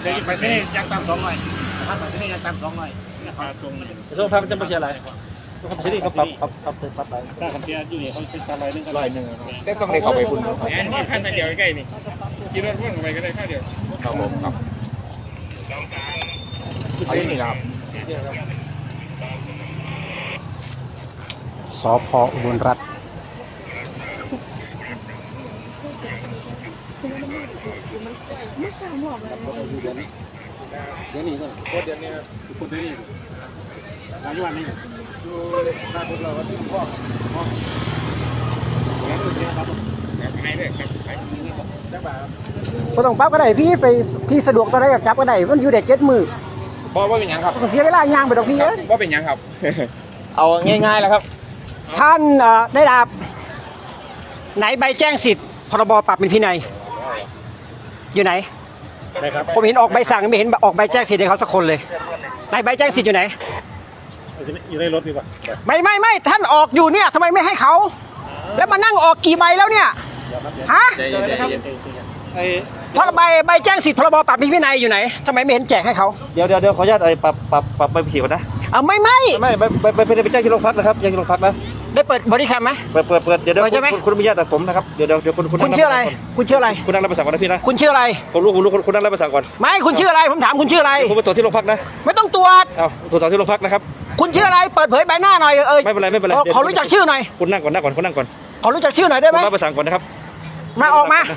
ไปที่นี่ยังตาม200ถ้าไปที่นี่ยังตาม200เนี่ยพาตรงช่วงพักมันจะมาเสียอะไรเขาที่นี่เขาปรับไปถ้าคำเสียอยู่นี่เขาเป็นการ100 ได้ต้องได้เข้าไปคุณนี่ขั้นเดียวใกล้นี่กินรถพ่วงไปก็ได้แค่เดียวครับผมครับอันนี้ครับสพ.อุบลรัตน์เดี๋ยวนี้ก็เดือนนี้คุณได้นี่รายวันนี้ดูหน้าพวกเราก็ที่พ่อแล้วก็เสียครับไม่ได้ครับจังหวะก็ต้องปั๊บก็ได้พี่ไปพี่สะดวกตอนไหนกับจับก็ได้มันอยู่แต่7 มื้อเพราะว่าเป็นยังครับเสียเวลาย่างไปดอกพี่ว่าเป็นยังครับเอาง่ายๆแล้วครับท่านได้ดาบไหนใบแจ้งสิทธิ์พรบปรับเป็นพินัยอยู่ไหนผมเห็นออกใบสั่งไม่เห็นออกใบแจ้งสิทธิ์ให้เขาสักคนเลยไหนใบแจ้งสิทธิ์อยู่ไหนอยู่ในรถดีกว่าไม่ท่านออกอยู่เนี่ยทำไมไม่ให้เขาแล้วมานั่งออกกี่ใบแล้วเนี่ยฮะเพราะใบแจ้งสิทธิ์พรบปรับเป็นพินัยอยู่ไหนทำไมไม่เห็นแจกให้เขาเดี๋ยวขออนุญาตปรับใบขี่ก่อนนะไม่ไปแจ้งที่โรงพักนะครับแจ้งที่โรงพักนะได้เปิดบริการไหมเปิดเดี๋ยวคุณอนุญาตแต่ผมนะครับเดี๋ยวคุณชื่ออะไรคุณชื่ออะไรคุณนั่งรับประสานก่อนนะพี่นะคุณชื่ออะไรผมรู้คุณนั่งรับประสานก่อนไม่คุณชื่ออะไรผมถามคุณชื่ออะไรผมไปตรวจที่โรงพักนะไม่ต้องตรวจตรวจที่โรงพักนะครับคุณชื่ออะไรเปิดเผยใบหน้าหน่อยไม่เป็นไรขอรู้จักชื่อหน่อยคุณนั่งก่อนขอรู้จักชื่อหน่อยได้ไหมรับประสานก่อนนะครับมาออกมา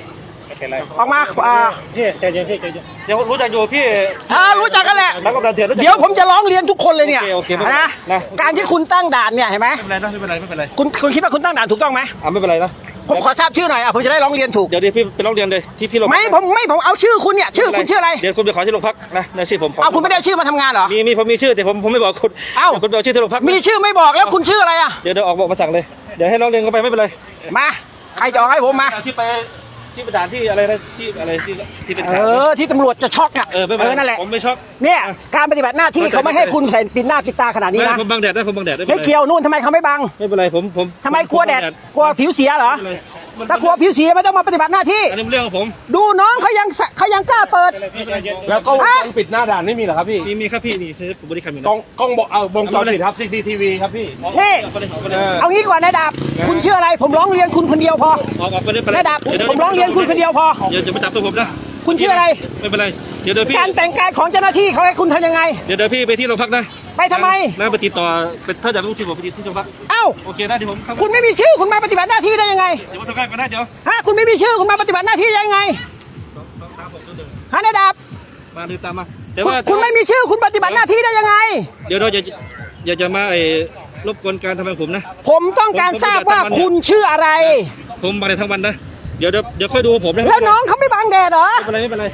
พี่ใจเย็นเดี๋ยวรู้จักอยู่พี่รู้จักกันแหละเดี๋ยวผมจะร้องเรียนทุกคนเลยเนี่ยนะการที่คุณตั้งด่านเนี่ยเห็นไหมไม่เป็นไรคุณคิดว่าคุณตั้งด่านถูกต้องไหมไม่เป็นไรนะผมขอทราบชื่อหน่อยผมจะได้ร้องเรียนถูกเดี๋ยวพี่ไปร้องเรียนเลยที่โรงพักผมเอาชื่อคุณเนี่ยชื่อคุณชื่ออะไรเดี๋ยวคุณไปขอที่โรงพักนะในชื่อผมคุณไม่ได้ชื่อมาทำงานเหรอผมมีชื่อแต่ผมไม่บอกคุณคุณเอาชื่อที่โรงพักมีชื่อไม่บอกแล้วคุณชื่ออะไรเดี๋ยวออกบอกมาสั่งเลยเดี๋ยวให้ร้องเรียนกันไปไม่เป็นไรมาใครจะให้ผมมาที่ประดานที่อะไรนะที่อะไรที่เป็นที่ตำรวจจะช็อกนั่นแหละผมไม่ช็อกเนี่ยการปฏิบัติหน้าที่เขาไม่ให้คุณใส่ปิดหน้าปิดตาขนาดนี้นะผมบังแดดไม่เกี่ยวนู่นทำไมเขาไม่บังไม่เป็นไรผมทำไมกลัวแดดกลัวผิวเสียเหรอถ้ากลัวผิวเสียไม่ต้องมาปฏิบัติหน้าที่อันนี้เรื่องของผมดูน้องเขายังกล้าเปิดแล้วก็ปิดหน้าด่านไม่มีเหรอครับพี่มีครับพี่นี่ใช้ผมบริการอยู่กล้องบอกวงจรปิดครับ CCTV ครับพี่นี่เอางี้ก่อนนายดาบคุณชื่ออะไรผมร้องเรียนคุณคนเดียวพอนายดาบผมร้องเรียนคุณคนเดียวพออย่าไปจับตัวผมนะคุณชื่ออะไรไม่เป็นไรเดี๋ยวพี่การแต่งกายของเจ้าหน้าที่เขาให้คุณทำยังไงเดี๋ยวพี่ไปที่โรงพักนะไปทำไมไปติดต่อถ้าจะต้องชื่อผมไปที่โรงพักโอเคนะเดี๋ยวผมคุณไม่มีชื่อคุณมาปฏิบัติหน้าที่ได้ยังไงเดี๋ยวผมทำงานก่อนนะเดี๋ยวคุณไม่มีชื่อคุณมาปฏิบัติหน้าที่ได้ยังไงนายดาบมาดูตามมาคุณไม่มีชื่อคุณปฏิบัติหน้าที่ได้ยังไงเดี๋ยวเราจะมารบกวนการทำงานผมนะผมต้องการทราบว่าคุณชื่ออะไรผมมาในทั้งวันนะเดี๋ยวค่อยดูผมนะแล้วน้องเขาไม่บังแดดเหรอไม่เป็นไร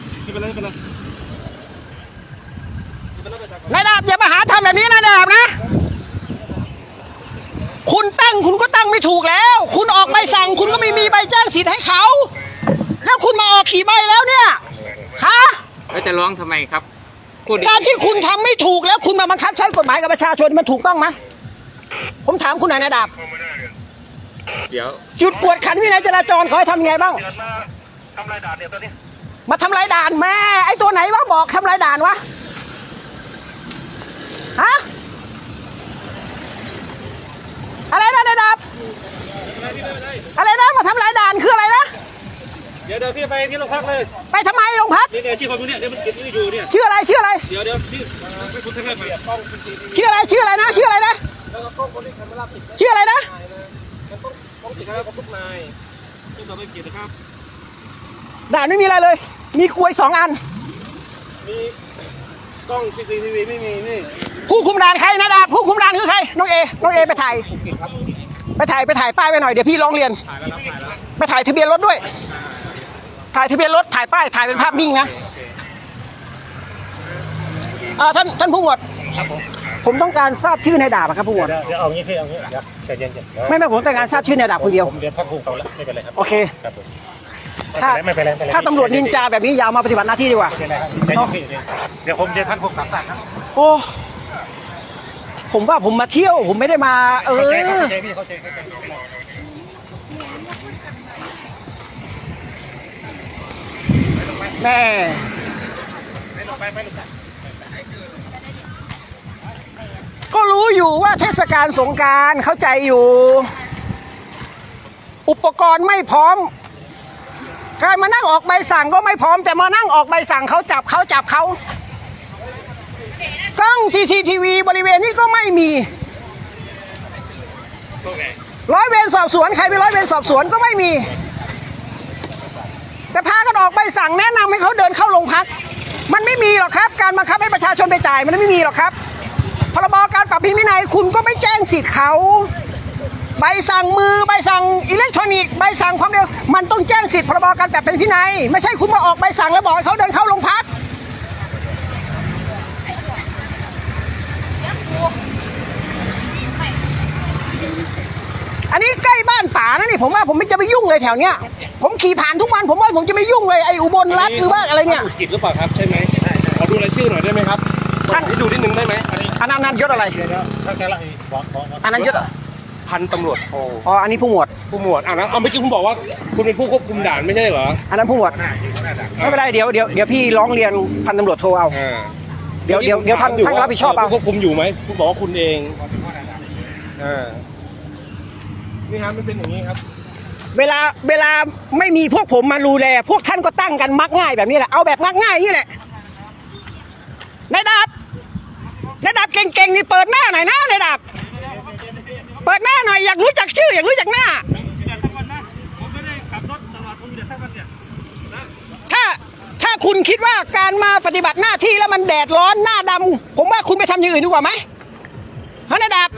นายดาบอย่ามาหาทำแบบนี้นายดาบนะคุณก็ตั้งไม่ถูกแล้วคุณออกใบสั่งคุณก็ไม่มีใบแจ้งสิทธิ์ให้เขาแล้วคุณมาออกขี่ใบแล้วเนี่ยแล้วจะร้องทำไมครับการที่คุณทำไม่ถูกแล้วคุณมาบังคับใช้กฎหมายกับประชาชนมันถูกต้องไหมผมถามคุณหน่อยนายดาบเดี๋ยวจุดกวดขันวินัยจราจรเขาให้ทำไงบ้างทำลายด่านเนี่ยตอนนี้มาทำลายด่านแม่ไอ้ตัวไหนวะบอกทำลายด่านวะอะไรนะนายดาบอะไรนะมาทำลายด่านคืออะไรนะเดี๋ยวพี่ไปที่โรงพักเลยไปทำไมโรงพักนี่ชื่อคนนี้เดี๋ยวมันเก็บนี่อยู่เนี่ยชื่ออะไรเดี๋ยวพี่ไม่คุณทั้งนั้นไปชื่ออะไรนะชื่ออะไรนะชื่ออะไรนะต้องติดนะครับทุกนายต้องต่อไปเกียรตินะครับด่านไม่มีอะไรเลยมีกลวย2 อันมีกล้อง CCTV ไม่มีนี่ผู้คุมด่านใครนะดาบผู้คุมด่านคือใครน้องเอไปถ่ายป้ายไปหน่อยเดี๋ยวพี่ร้องเรียนไปถ่ายทะเบียนรถด้วยถ่ายทะเบียนรถถ่ายป้ายถ่ายเป็นภาพนิ่งนะท่านผู้หมวดผมต้องการทราบชื่อนายดาบครับผู้หมวดเดี๋ยวเอางี้พี่เอางี้เดี๋ยวใจเย็นไม่ผมต้องการทราบชื่อนายดาบคนเดียวผมเรียนท่านผู้เขาแล้วไม่เป็นไรครับโอเคครับผมถ้าตำรวจนินจาแบบนี้ยาวมาปฏิบัติหน้าที่ดีกว่าเดี๋ยวผมเรียนท่านผู้กำกับสั่งครับโอ้ผมว่าผมมาเที่ยวผมไม่ได้มาเข้าใจพี่เข้าใจแม่ก็รู้อยู่ว่าเทศกาลสงกรานต์เข้าใจอยู่ อุปกรณ์ไม่พร้อมการมานั่งออกใบสั่งก็ไม่พร้อมแต่มานั่งออกใบสั่งเขาจับเขากล้อง CCTV บริเวณนี้ก็ไม่มีร้อยเวรสอบสวนใครเป็นร้อยเวรสอบสวนก็ไม่มีแต่พากันออกใบสั่งแนะนำให้เขาเดินเข้าโรงพักมันไม่มีหรอกครับการบังคับให้ประชาชนไปจ่ายมันไม่มีหรอกครับพรบการปรับปรุงวินัยคุณก็ไม่แจ้งสิทธิ์เขาใบสั่งมือใบสั่งอิเล็กทรอนิกส์ใบสั่งความเร็วมันต้องแจ้งสิทธิ์พรบการปรับปรุงวินัยไม่ใช่คุณมาออกใบสั่งแล้วบอกให้เขาเดินเข้าโรงพักอันนี้ใกล้บ้านป๋านะนี่ผมว่าผมไม่จะไปยุ่งเลยแถวเนี้ยผมขี่ผ่านทุกวันผมว่าผมจะไม่ยุ่งเลยไอ้อุบลรัฐหรือว่าอะไรเนี่ยกิจหรือเปล่าครับใช่ไหมขอดูรายชื่อหน่อยได้ไหมครับให้ดูนิดนึงได้ไหมอันนั้นยศอะไรถ้าแกละอันนั้นยศพันตำรวจโทอ๋ออันนี้ผู้หมวดผู้หมวดนะเอาเมื่อกี้คุณบอกว่าคุณเป็นผู้ควบคุมด่านไม่ใช่เหรออันนั้นผู้หมวดไม่เป็นไรเดี๋ยวพี่ร้องเรียนพันตำรวจโทเอาเดี๋ยวท่านรับผิดชอบเอาควบคุมอยู่ไหมคุณบอกว่าคุณเองนี่ครับมันเป็นอย่างนี้ครับเวลาไม่มีพวกผมมาดูแลพวกท่านก็ตั้งกันมักง่ายแบบนี้แหละเอาแบบมักง่ายนี่แหละนายดาบเก่งๆนี่เปิดหน้าหน่อยนะนายดาบเปิดหน้าหน่อยอยากรู้จักชื่ออยากรู้จักหน้าถ้าคุณคิดว่าการมาปฏิบัติหน้าที่แล้วมันแดดร้อนหน้าดำผมว่าคุณไปทำอย่างอื่นดีกว่าไหมฮะนายดาบ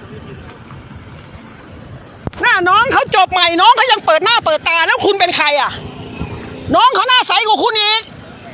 หน้าน้องเขาจบใหม่น้องเขายังเปิดหน้าเปิดตาแล้วคุณเป็นใครอ่ะน้องเขาหน้าใสกว่าคุณอีก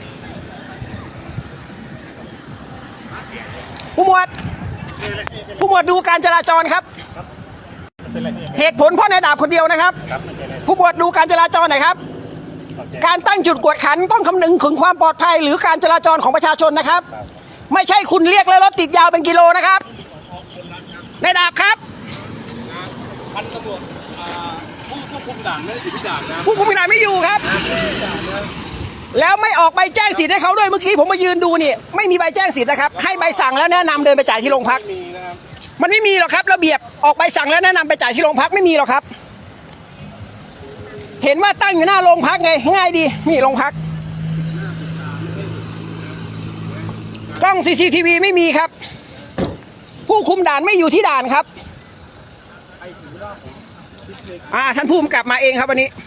ผู้หมวดดูการจราจรครับเหตุผลเพราะนายดาบคนเดียวนะครับผู้หมวดดูการจราจรหน่อยครับการตั้งจุดกวดขันต้องคำนึงถึงความปลอดภัยหรือการจราจรของประชาชนนะครับไม่ใช่คุณเรียกแล้วรถติดยาวเป็นกิโลนะครับนายดาบครับพันตำรวจผู้ควบคุมด่านไม่ได้ติดที่ด่านนะผู้คุมด่านไม่อยู่ครับแล้วไม่ออกใบแจ้งสิทธิ์ให้เขาด้วยเมื่อกี้ผมมายืนดูนี่ไม่มีใบแจ้งสิทธิ์นะครับให้ใบสั่งแล้วแนะนำเดินไปจ่ายที่โรงพักมันไม่มีหรอกครับระเบียบออกใบสั่งแล้วแนะนำไปจ่ายที่โรงพักไม่มีหรอกครับเห็นว่าตั้งอยู่หน้าโรงพักไงง่ายดีนี่โรงพักกล้อง CCTV ไม่มีครับผู้คุมด่านไม่อยู่ที่ด่านครับท่านผู้กำกับมาเองครับวันนี้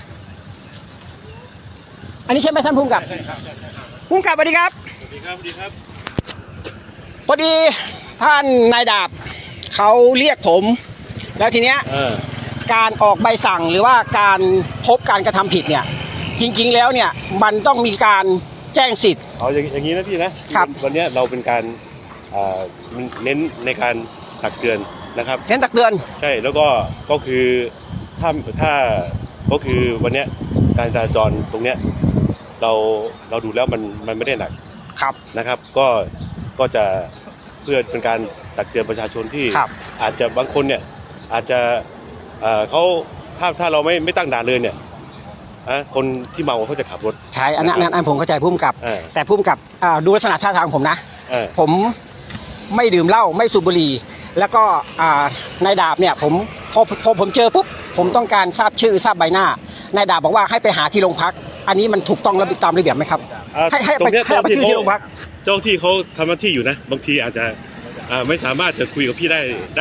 อันนี้ใช่ไหมท่านผู้กำกับผู้กำกับสวัสดีครับสวัสดีครับพอดีท่านนายดาบเขาเรียกผมแล้วทีเนี้ยการออกใบสั่งหรือว่าการพบการกระทำผิดเนี่ยจริงๆแล้วเนี่ยมันต้องมีการแจ้งสิทธิ์เอาอย่างนี้นะพี่นะครับวันนี้เราเป็นการเน้นในการตักเตือนนะครับเน้นตักเตือนใช่แล้วก็คือถ้าก็คือวันนี้การจราจรตรงเนี้ยเราดูแล้วมันไม่ได้หนักครับนะครับก็จะเพื่อเป็นการตักเตือนประชาชนที่อาจจะบางคนเนี่ยอาจจะเขาถ้าเราไม่ตั้งด่านเลยเนี่ยคนที่เมาเขาจะขับรถใช่อันนั้นผมเข้าใจผู้กำกับแต่ผู้กำกับดูลักษณะท่าทางผมนะผมไม่ดื่มเหล้าไม่สูบบุหรี่แล้วก็นายดาบเนี่ยพอผมเจอปุ๊บผมต้องการทราบชื่อทราบใบหน้านายดาบบอกว่าให้ไปหาที่โรงพักอันนี้มันถูกต้องและตามระเบียบไหมครับให้ไปชื่อที่โรงพักเจ้าที่เขาทำหน้าที่อยู่นะบางทีอาจจะไม่สามารถจะคุยกับพี่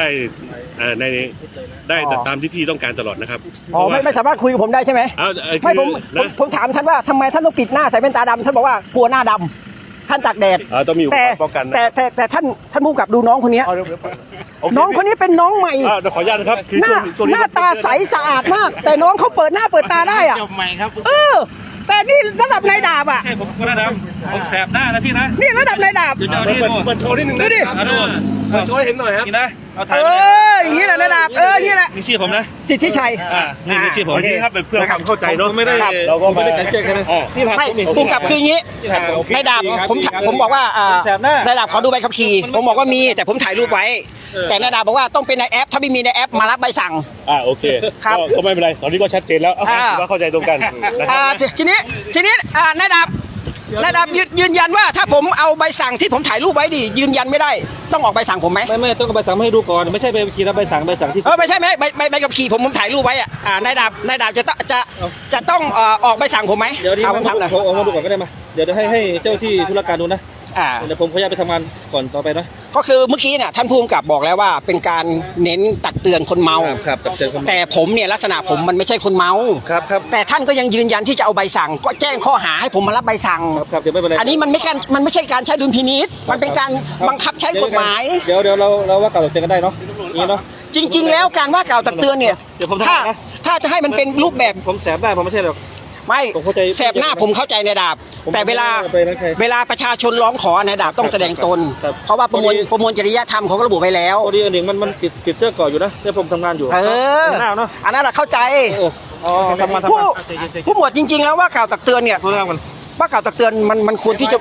ได้ตามที่พี่ต้องการตลอดนะครับไม่สามารถคุยกับผมได้ใช่ไหมไม่ผมถามท่านว่าทำไมท่านต้องปิดหน้าใส่แว่นตาดำท่านบอกว่ากลัวหน้าดำท่านตากแดดต้องมีอุปกรณ์ป้องกันแต่ท่านผู้กำกับดูน้องคนนี้น้องคนนี้เป็นน้องใหม่ขออนุญาตนะครับหน้าตาใสสะอาดมากแต่น้องเขาเปิดหน้าเปิดตาได้อะจบใหม่ครับแต่นี่ระดับนายดาบอ่ะผมคนระดับผมแสบหน้านะพี่นะนี่ระดับนายดาบเปิดโชว์นิดนึงดูดิโชว์ให้เห็นหน่อยครับนี่นะเอาถ่ายอย่างนี้แหละนายดาบนี่แหละมีชื่อผมนะสิทธิชัยนี่มีชื่อผมนี่ครับเพื่อความเข้าใจเนาะเราก็ไม่ได้กันเจ๊กันนะไม่ผู้กำกับคืออย่างนี้นายดาบผมบอกว่านายดาบขอดูใบขับขี่ผมบอกว่ามีแต่ผมถ่ายรูปไว้แต่นายดาบบอกว่าต้องเป็นในแอปถ้าไม่มีในแอปมารับใบสั่งโอเคก็ไม่เป็นไรตอนนี้ก็ชัดเจนแล้วว่าเข้าใจตรงกันทีนี้นายดาบนายดาบยืนยันว่าถ้าผมเอาใบสั่งที่ผมถ่ายรูปไว้ดิยืนยันไม่ได้ต้องออกใบสั่งผมไหมไม่ต้องเอาใบสั่งมาให้ดูก่อนไม่ใช่ไปขี่แล้วใบสั่งที่ไม่ใช่ไหมใบขับขี่ผมถ่ายรูปไว้อ่ะนายดาบจะต้องออกใบสั่งผมไหมเดี๋ยวนี้ผมทำหน่อยผมเอามาดูก่อนก็ได้มาเดี๋ยวให้เจ้าที่ธุรการดูนะเเดี๋ยวผมขออนุญาตไปทำงานก่อนต่อไปนะก็คือเมื่อกี้เนี่ยท่านผู้กำกับบอกแล้วว่าเป็นการเน้นตักเตือนคนเมาครับตักเตือนคนแต่ผมเนี่ยลักษณะผมมันไม่ใช่คนเมาครับแต่ท่านก็ยังยืนยันที่จะเอาใบสั่งก็แจ้งข้อหาให้ผมมารับใบสั่งครับเดี๋ยวไม่เป็นไรอันนี้มันไม่ใช่การใช้ดุลพินิษมันเป็นการบังคับใช้กฎหมายเดี๋ยวเราว่ากล่าวตักเตือนกันได้เนาะนี่เนาะจริง ๆ แล้วการว่ากล่าวตักเตือนเนี่ยเดี๋ยวผมทำนะถ้าจะให้มันเป็นรูปแบบผมแสบได้ผมไม่ใช่หรอกไม่ผมเข้าใจแสบหน้าผมเข้าใจในดาบผมแต่เวลาไม่ได้ไปนั่นใครเวลาประชาชนร้องขอในดาบต้องแสดงตนครับเพราะว่าประมวลจริยธรรมเขาก็ระบุไว้แล้วพอดีอันหนึ่งมันติดเสื้อเกราะอยู่นะเดี๋ยวผมทำงานอยู่ หน้าเนาะอันนั้นเราเข้าใจทำงานผู้หมวดจริง ๆ แล้วว่ากล่าวตักเตือนเนี่ยเรื่องมันว่ากล่าวตักเตือนมันควรที่จะ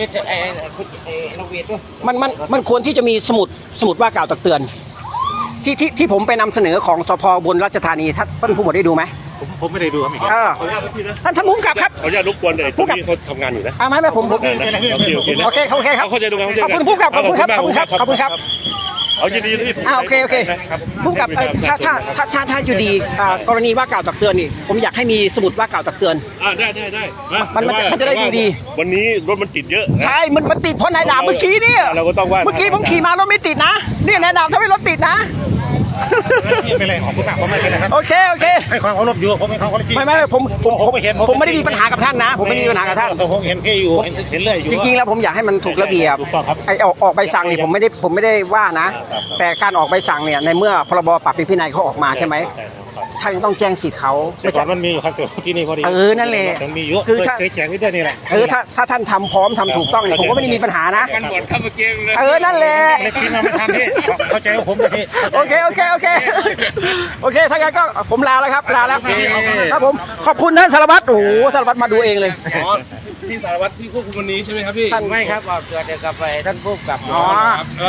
มันควรที่จะมีสมุดว่ากล่าวตักเตือน ที่ผมไปนำเสนอของสพบนราชธานีท่านผู้หมวดได้ดูไหมผมไม่ได้ดูครับอีกท่านผู้กำกับครับขออนุญาตรบกวนเลยตรงนี้เขาทำงานอยู่นะไม่ผมโอเคนะโอเคครับเข้าใจดูกันขอบคุณผู้กำกับขอบคุณครับเอายินดีที่โอเคผู้กำกับถ้าอยู่ดีกรณีว่ากล่าวตักเตือนนี่ผมอยากให้มีสมุดว่ากล่าวตักเตือนได้มันจะได้ดูดีวันนี้รถมันติดเยอะใช่มันติดเพราะนายดาบเมื่อกี้เนี่ยเราก็ต้องว่าเมื่อกี้ผมขี่มารถไม่ติดนะเนี่ยนายดาบทำให้รถติดนะไม่เป็นไรของคุณหนักผมไม่เป็นไรครับโอเคให้ความเคารพอยู่ผมให้ความเคารพไม่ผมไม่ได้มีปัญหากับท่านนะ ผมไม่ได้มีปัญหากับท่านผมเห็นแค่อยู่เห็นเรื่อยอยู่จริงๆแล้วผมอยากให้มันถูกระเบียบถูกต้องครับไอ้ออกใบสั่งนี่ผมไม่ได้ว่านะ แต่การออกใบสั่งเนี่ยในเมื่อพรบปรับเป็นพินัยเขาออกมาใช่ไหมท่านต้องแจ้งสิทธิ์เขาแต่ก่อนมันมีอยู่ครับแต่ที่นี่พอดีนั่นแหละมันมีเยอะคือถ้าเคยแจกนิดเดียวนี่แหละถ้าท่านทำพร้อมทำถูกต้องเนี่ยผมก็ไม่ได้มีปัญหานะกันหมดเข้ามาเกมเลยนั่นแหละเล็กพี่มาไม่ทันพี่เข้าใจว่าผมนะพี่โอเคถ้างั้นก็ผมลาแล้วครับครับผมขอบคุณท่านสารวัตรโอ้โหสารวัตรมาดูเองเลยอ๋อที่สารวัตรที่ควบคุมวันนี้ใช่ไหมครับพี่ไม่ครับออกเกิดเดียวกับไปท่านผู้กำกับอ๋อแล้ว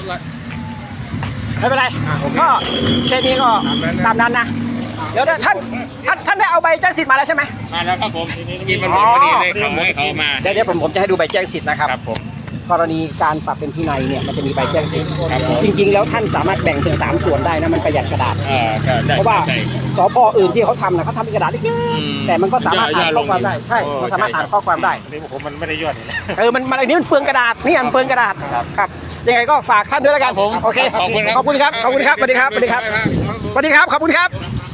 ไม่เป็นไรก็เคสนี้ก็ตามนั้นนะเดี๋ยวท่านได้เอาใบแจ้งสิทธิ์มาแล้วใช่ไหมมาแล้วครับผมกินมันหมดพอดีเลยเขาให้เขามาเดี๋ยวผมจะให้ดูใบแจ้งสิทธิ์นะครับครับผมกรณีการปรับเป็นพินัยเนี่ยมันจะมีใบแจ้งสิทธิ์จริง ๆ แล้วท่านสามารถแบ่งเป็น3ส่วนได้นะมันประหยัดกระดาษ เพราะว่าสพอื่นที่เขาทำนะเขาทำเป็นกระดาษเล็กๆแต่มันก็สามารถอ่านข้อความได้ใช่มันสามารถอ่านข้อความได้นี่ผมมันไม่ได้ยอดนี่แหละมันอันนี้มันเปลืองกระดาษนี่มันเปลืองกระดาษครับยังไงก็ฝากท่านด้วยแล้วกันโอเคขอบคุณครับสวัสดีครับขอบคุณครับ